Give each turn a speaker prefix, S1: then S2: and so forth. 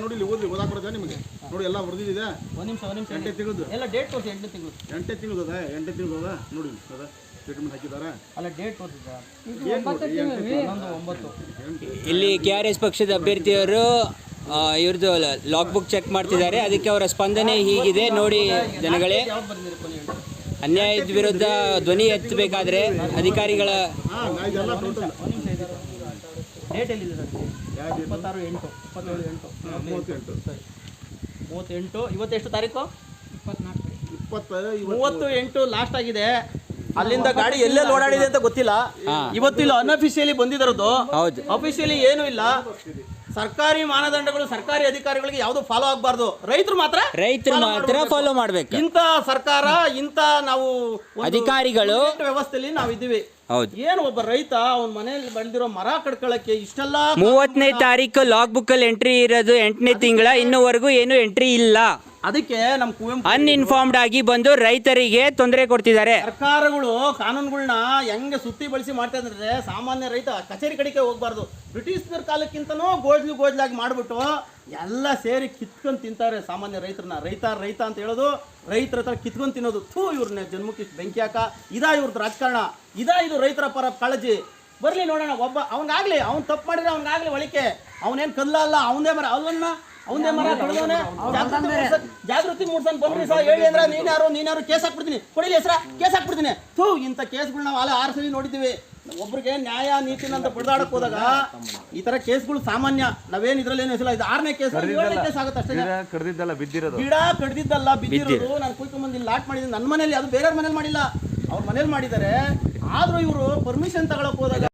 S1: ನೋಡಿ ಇಲ್ಲಿ ಓದಿ ಓದಾಕ್ ಬರ್ತದೆ ನಿಮಗೆ ನೋಡಿ ಎಲ್ಲ ಬರ್ದಿದೆ
S2: ಒಂದು ನಿಮಿಷ
S1: 8 ತಿಂಗಳದು
S2: ಎಲ್ಲ ಡೇಟ್ ತೋರಿಸಿ 8 ತಿಂಗಳು
S1: 8 ತಿಂಗಳು ಅದ 8 ತಿಂಗಳು ಅದ ನೋಡಿ ಅದ ಸ್ಟೇಟ್ಮೆಂಟ್ ಹಾಕಿದ್ದಾರೆ
S2: ಅಲ್ಲ ಡೇಟ್ ತೋರಿಸಿದ 9
S3: ಇಲ್ಲಿ KRS ಪಕ್ಷದ ಅಭ್ಯರ್ಥಿಯವರು ಇವ್ರದ್ದು ಲಾಗ್ ಬುಕ್ ಚೆಕ್ ಮಾಡ್ತಿದ್ದಾರೆ. ಅದಕ್ಕೆ ಅವರ ಸ್ಪಂದನೆ ಹೀಗಿದೆ ನೋಡಿ ಜನಗಳೇ.
S2: ಯಾವ್ದು ಬಂದಿರಿ ಕೊನೆ ಹೇಳಿ
S3: ಅನ್ಯಾಯದ ವಿರುದ್ಧ ಧ್ವನಿ ಎತ್ತಬೇಕಾದ್ರೆ ಅಧಿಕಾರಿಗಳ
S1: ಇದೆಲ್ಲ ಟೋಟಲ್
S2: ಒಂದು ನಿಮಿಷ ಇದೆ ಡೇಟ್ ಎಲ್ಲಿದೆ ಸರ್ 26/8 27/8 38 ಇವತ್ತು ಎಷ್ಟು ತಾರೀಕು 30/8 ಲಾಸ್ಟ್ ಆಗಿದೆ. ಅಲ್ಲಿಂದ ಗಾಡಿ ಎಲ್ಲೆಲ್ಲಿ ಓಡಾಡಿದೆ ಅಂತ ಗೊತ್ತಿಲ್ಲ. ಇವತ್ತು ಇಲ್ಲಿ ಅನ್ಅಫಿಷಿಯಲಿ ಬಂದಿರೋದು,
S3: ಹೌದು.
S2: ಅಫಿಷಿಯಲಿ ಏನೂ ಇಲ್ಲ. ಸರ್ಕಾರಿ ಮಾನದಂಡಗಳು ಸರ್ಕಾರಿ ಅಧಿಕಾರಿಗಳಿಗೆ ಯಾವುದು ಫಾಲೋ ಆಗಬಾರ್ದು, ರೈತರು ಮಾತ್ರ
S3: ಫಾಲೋ ಮಾಡ್ಬೇಕು.
S2: ಇಂಥ ಸರ್ಕಾರ ಇಂಥ ನಾವು
S3: ಅಧಿಕಾರಿಗಳು
S2: ವ್ಯವಸ್ಥೆಯಲ್ಲಿ ನಾವು ಇದ್ದೀವಿ.
S3: ಹೌದು.
S2: ಏನು ಒಬ್ಬ ರೈತ ಅವನ ಮನೆಯಲ್ಲಿ ಬೆಳೆದಿರೋ ಮರ ಕಡ್ಕೊಳ್ಳಕ್ಕೆ ಇಷ್ಟೆಲ್ಲ
S3: 30ನೇ ತಾರೀಕು ಲಾಗ್ ಬುಕ್ ಅಲ್ಲಿ ಎಂಟ್ರಿ ಇರೋದು 8ನೇ ತಿಂಗಳ, ಇನ್ನೂವರೆಗೂ ಏನು ಎಂಟ್ರಿ ಇಲ್ಲ.
S2: ಅದಕ್ಕೆ ನಮ್ಮ ಕುವೆಂಪು
S3: ಅನ್ಇನ್ಫಾರ್ಮ್ಡ್ ಆಗಿ ಬಂದು ರೈತರಿಗೆ ತೊಂದರೆ ಕೊಡ್ತಿದ್ದಾರೆ.
S2: ಸರ್ಕಾರಗಳು ಕಾನೂನುಗಳನ್ನ ಹೆಂಗೆ ಸುತ್ತಿ ಬಳಸಿ ಮಾಡ್ತಾ ಇದ್ರೆ ಸಾಮಾನ್ಯ ರೈತ ಕಚೇರಿ ಕಡೆಗೆ ಹೋಗ್ಬಾರ್ದು. ಬ್ರಿಟಿಷ್ನರ ಕಾಲಕ್ಕಿಂತನೂ ಗೋಜ್ಲಾಗಿ ಮಾಡ್ಬಿಟ್ಟು ಎಲ್ಲ ಸೇರಿ ಕಿತ್ಕೊಂಡು ತಿಂತಾರೆ ಸಾಮಾನ್ಯ ರೈತರನ್ನ. ರೈತ ಅಂತ ಹೇಳೋದು ರೈತರ ಹತ್ರ ಕಿತ್ಕೊಂಡು ತಿನ್ನೋದು. ಇವ್ರನ್ನ ಜನ್ಮಕ್ಕೆ ಬೆಂಕಿ ಹಾಕ ಇದಾ ಇವ್ರದ್ದು ರಾಜಕಾರಣ, ಇದು ರೈತರ ಪರ ಕಾಳಜಿ. ಬರ್ಲಿ ನೋಡೋಣ, ಒಬ್ಬ ಅವನಿಗಾಗ್ಲಿ ಅವ್ನು ತಪ್ಪು ಮಾಡಿದ್ರೆ ಅವನಿಗಾಗ್ಲಿ ಒಳಿಕೆ. ಅವನೇನು ಕಲ್ಲ ಅಲ್ಲ, ಅವನೇ ಮರ ಅವನೇ ಮರ ಕಳೆದವನೇ. ಜಾಗೃತಿ ಮೂಡ್ಸನ್ ಬನ್ರಿ ಸರ್ ಹೇಳಿ ಅಂದ್ರೆ ನೀನ್ಯಾರು ಕೇಸ್ ಹಾಕ್ಬಿಡ್ತೀನಿ, ಕೊಡಿಲಿ ಹೆಸರ ಕೇಸ್ ಹಾಕ್ಬಿಡ್ತೀನಿ. ಇಂಥ ಕೇಸ್ಗಳು ನಾವು 6 ಸಲ ನೋಡಿದ್ದೀವಿ. ಒಬ್ರಿಗೆ ನ್ಯಾಯ ನೀತಿನ ಅಂತ ಬಡ್ದಾಡಕ್ ಹೋದಾಗ ಈ ತರ ಕೇಸ್ಗಳು ಸಾಮಾನ್ಯ. ನಾವೇನ್ ಇದ್ರಲ್ಲಿ ಏನು ಹೆಸರು ಇದು 6ನೇ ಕೇಸ್ 7ನೇ ಕೇಸ್ ಆಗುತ್ತೆ ಅಷ್ಟೇ. ಗಿಡ ಕಡ್ದಿದ್ದಲ್ಲ ಬಿದ್ದಿರೋದು. ನಾನು ಕುಯ್ಕೊಂಡ್ಬಂದು ಲಾಟ್ ಮಾಡಿದ್ದೀನಿ ನನ್ನ ಮನೇಲಿ, ಅದು ಬೇರೆಯವ್ರ ಮನೇಲಿ ಮಾಡಿಲ್ಲ, ಅವ್ರ ಮನೇಲಿ ಮಾಡಿದ್ದಾರೆ. ಆದ್ರೂ ಇವರು ಪರ್ಮಿಷನ್ ತಗೊಳಕ್ ಹೋದಾಗ